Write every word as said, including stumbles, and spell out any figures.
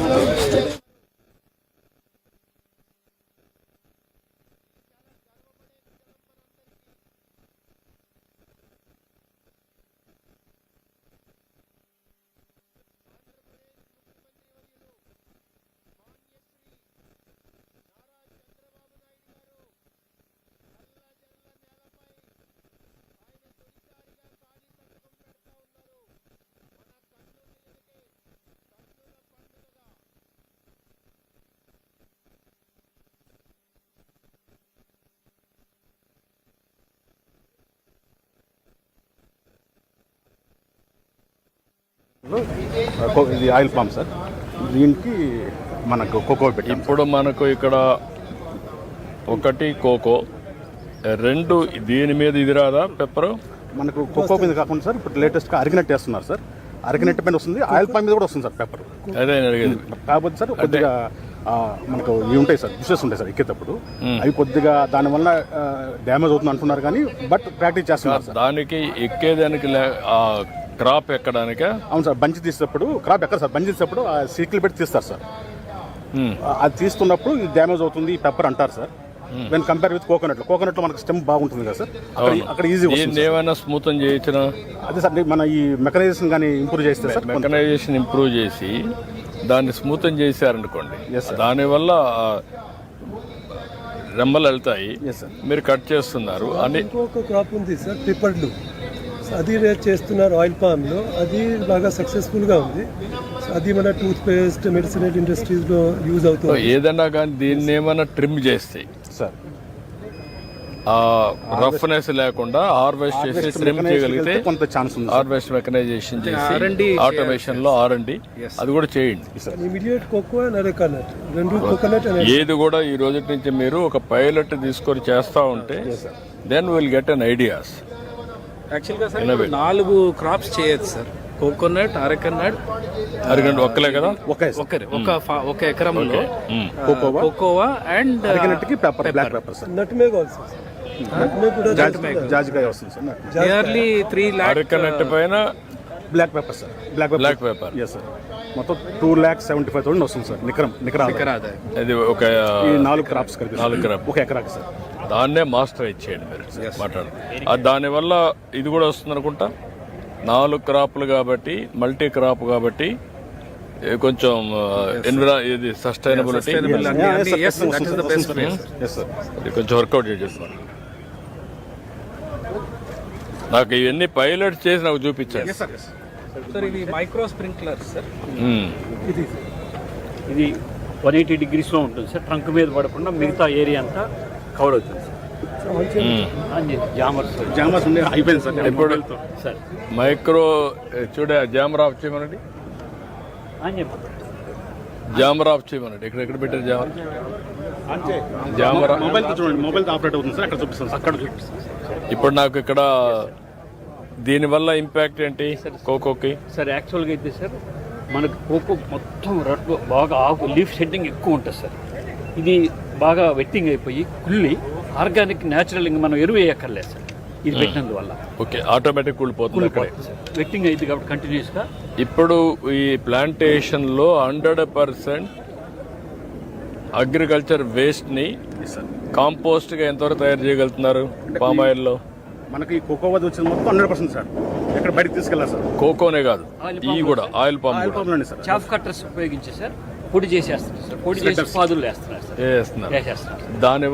ఇది oil palm sir, దీనికి మనకు కోకో పెట్టి ఇప్పుడు మనకు ఇక్కడ ఒకటి కోకో, రెండు దీని మీద ఇది రాదా పెప్పర్? మనకు కోకో మీద కాకుండా సార్ ఇప్పుడు లేటెస్ట్గా అరిగినట్టు వేస్తున్నారు సార్. అరిగినట్టు పైన వస్తుంది, ఆయిల్ పామ్ మీద కూడా వస్తుంది సార్ పెప్పర్. అదే అడిగేది. కాకపోతే సార్ కొద్దిగా మనకు ఇవి ఉంటాయి సార్, డిషెస్ ఉంటాయి సార్ ఎక్కేటప్పుడు, అవి కొద్దిగా దానివల్ల డ్యామేజ్ అవుతుంది అంటున్నారు కానీ బట్ ప్రాక్టీస్ చేస్తున్నారు సార్. దానికి ఎక్కేదానికి క్రాప్ ఎక్కడానికే? అవును సార్, బంచి తీసేటప్పుడు క్రాప్ ఎక్కడ సార్, బంచి తీసేటప్పుడు ఆ సీట్లు పెట్టి తీస్తారు సార్. అది తీస్తున్నప్పుడు ఇది డ్యామేజ్ అవుతుంది పెప్పర్ అంటారు sir. When compare with coconut, coconut లో మనకు స్టెమ్ బాగుంటుంది కదా సార్, అక్కడ ఈజీ ఏమైనా స్మూత్ చేయించిన అదే సార్. మన ఈ మెకనైజేషన్ కానీ ఇంప్రూవ్ చేస్తే సార్, మెకనైజేషన్ ఇంప్రూవ్ చేసి దాన్ని స్మూత్ చేశారనుకోండి, దానివల్ల రెమ్మలు వెళ్తాయి, మీరు కట్ చేస్తున్నారు. అని ఇంకొక క్రాప్ ఉంది సార్ పిప్పర్లు, అది చేస్తున్నారు ఆయిల్ పామ్లో, అది బాగా సక్సెస్ఫుల్గా ఉంది. అది మన టూత్ పేస్ట్ మెడిసినల్ ఇండస్ట్రీస్లో యూజ్ అవుతుంది. ఏదన్నా కానీ దీన్ని ఏమైనా ట్రిమ్ చేస్తే సార్ రఫ్నెస్ లేకుండా హార్వెస్ట్ చేసి ట్రిమ్ చేయగలిగితే కొంత ఛాన్స్ ఉంది. హార్వెస్ట్ మెకనైజేషన్ చేసి ఆటోమేషన్ లో ఆర్ అండ్ డి అది కూడా చేయండి. ఇమిడియట్ కోకో అండ్ అరెకానట్ రెండు కోకోనట్ ఏది కూడా ఈ రోజు నుంచి మీరు ఒక పైలట్ తీసుకొని చేస్తా ఉంటే then will get an ideas. యాక్చువల్గా సార్ నాలుగు క్రాప్స్ చేయొచ్చు సార్, కోకోనట్, అరెకనట్, అరగంట ఒక్కలే కదా, ఒకరే ఒక ఒక ఎకరంలో cocoa and black pepper sir, nutmeg also, జాజికాయ వస్తుంది sir. Nearly three lakh arecanut పైన black pepper sir, black black pepper yes sir, మొత్తం two lakh seventy five thousand వస్తుంది సార్ నికరం నికరా. అది ఒక నాలుగు క్రాప్స్ కలిపి నాలుగు క్రాప్ ఒక ఎకరాకి సార్. దాన్నే మాస్టర్ ఇచ్చేయండి మీరు మాట్లాడు. దానివల్ల ఇది కూడా వస్తుంది అనుకుంటా, నాలుగు క్రాప్లు కాబట్టి మల్టీ క్రాప్ కాబట్టి కొంచెం ఎన్విరా ఇది సస్టైనబిలిటీ కొంచెం వర్కౌట్ చేసేస్తాను. నాకు ఇవన్నీ పైలట్ చేసి నాకు చూపించాను సార్. ఇది మైక్రో స్ప్రింక్లర్ సార్, ఇది వన్ ఎయిటీ డిగ్రీస్లో ఉంటుంది సార్, ట్రంక్ మీద పడకుండా మిగతా ఏరియా అంతా కవర్ అవుతుంది సార్. జామర్స్ జామర్స్ ఉండే అయిపోయింది సార్ ఇప్పుడు సార్. మైక్రో చూడే జామర్ ఆఫ్ చేయమనండి, జామర్ ఆఫ్ చేయమనండి. ఇక్కడ ఎక్కడ పెట్టారు జామర్? జామర్ మొబైల్ చూడండి, మొబైల్ ఆపరేట్ అవుతుంది సార్, అక్కడ చూపిస్తాను అక్కడ చూపిస్తాను. ఇప్పుడు నాకు ఇక్కడ దీనివల్ల ఇంపాక్ట్ ఏంటి కోకోకి సార్? యాక్చువల్గా అయితే సార్ మనకు కోకో మొత్తం రెడ్ బాగా ఆకు లీఫ్ షెడ్డింగ్ ఎక్కువ ఉంటుంది సార్. ఇది బాగా వెట్టింగ్ అయిపోయి కుళ్ళి ఆర్గానిక్ న్యాచురల్ ఇంకా మనం ఎరువు వేయక్కర్లేదు సార్ ఇది పెట్టినందువల్ల. ఓకే, ఆటోమేటిక్ కూలిపోతుంది వెట్టింగ్ అయింది కాబట్టి కంటిన్యూస్గా. ఇప్పుడు ఈ ప్లాంటేషన్లో హండ్రెడ్ పర్సెంట్ అగ్రికల్చర్ వేస్ట్ని కాంపోస్ట్గా ఎంతవరకు తయారు చేయగలుగుతున్నారు పామ్ ఆయిల్లో? మనకి కోకో వద్ద వచ్చింది మొత్తం హండ్రెడ్ పర్సెంట్ సార్, ఎక్కడ బయటకు తీసుకెళ్ళాలి సార్. కోకోనే కాదు, ఈ కూడా oil palm sir. Chaff cutters ఉపయోగించి సార్ పొడి చేసేస్తున్నారు సార్, పొడి చేసి పాదులు వేస్తున్నారు సార్, వేస్తున్నారు. వేసేస్తున్నారు. దాని